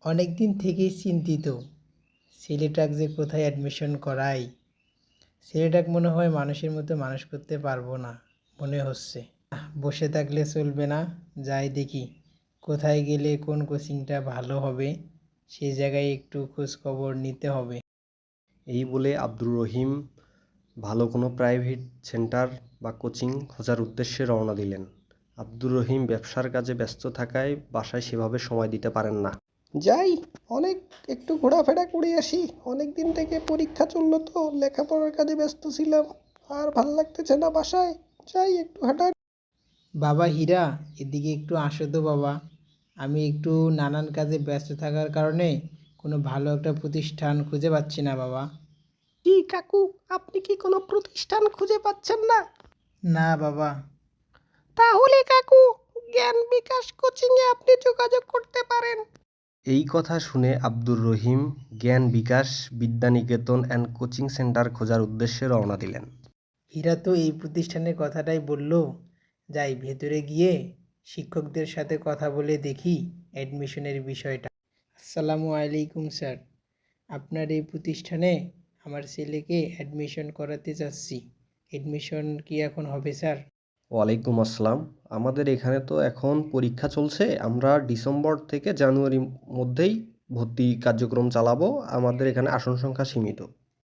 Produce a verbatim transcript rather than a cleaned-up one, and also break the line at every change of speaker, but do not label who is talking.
অনেক দিন থেকেই চিন্তিত ছেলেটাক যে কোথায় অ্যাডমিশন করাই। ছেলেটাক মনে হয় মানুষের মতো মানুষ করতে পারবো না মনে হচ্ছে। আহ, বসে থাকলে চলবে না, যাই দেখি কোথায় গেলে কোন কোচিংটা ভালো হবে, সেই জায়গায় একটু খোঁজ খবর নিতে হবে।
এই বলে আব্দুর রহিম ভালো কোনো প্রাইভেট সেন্টার বা কোচিং খোঁজার উদ্দেশ্যে রওনা দিলেন। আব্দুর রহিম ব্যবসার কাজে ব্যস্ত থাকায় বাসায় সেভাবে সময় দিতে পারেন না।
যাই, অনেক একটু ঘোরাফেরা করে আসি। অনেক দিন থেকে পরীক্ষা চললো তো লেখাপড়ার কাজে ব্যস্ত ছিলাম, আর ভাল লাগতেছে না বাসায়। যাই একটু হাঁটা।
বাবা হীরা, এদিকে একটু আসো তো বাবা। আমি একটু নানান কাজে ব্যস্ত থাকার কারণে কোনো ভালো একটা প্রতিষ্ঠান খুঁজে পাচ্ছি না বাবা।
কি কাকু, আপনি কি কোনো প্রতিষ্ঠান খুঁজে পাচ্ছেন না?
না বাবা।
তাহলে কাকু, জ্ঞান বিকাশ কোচিংয়ে আপনি যোগাযোগ করতে পারেন।
এই কথা শুনে Abdur Rahim Gyan Bikash Vidyaniketan and coaching centre খোঁজার উদ্দেশ্যে রওনা দিলেন।
হীরা তো এই প্রতিষ্ঠানের কথাটাই বলল। যাই ভেতরে গিয়ে শিক্ষকদের সাথে কথা বলে দেখি অ্যাডমিশনের বিষয়টা। আসসালামু আলাইকুম স্যার, আপনার এই প্রতিষ্ঠানে আমার ছেলেকে অ্যাডমিশন করাতে চাচ্ছি। অ্যাডমিশন কি এখন হবে স্যার?
ওয়ালাইকুম আসসালাম। আমাদের এখানে তো এখন পরীক্ষা চলছে, আমরা ডিসেম্বর থেকে জানুয়ারির মধ্যেই ভর্তি কার্যক্রম চালাবো। আমাদের এখানে আসন সংখ্যা সীমিত।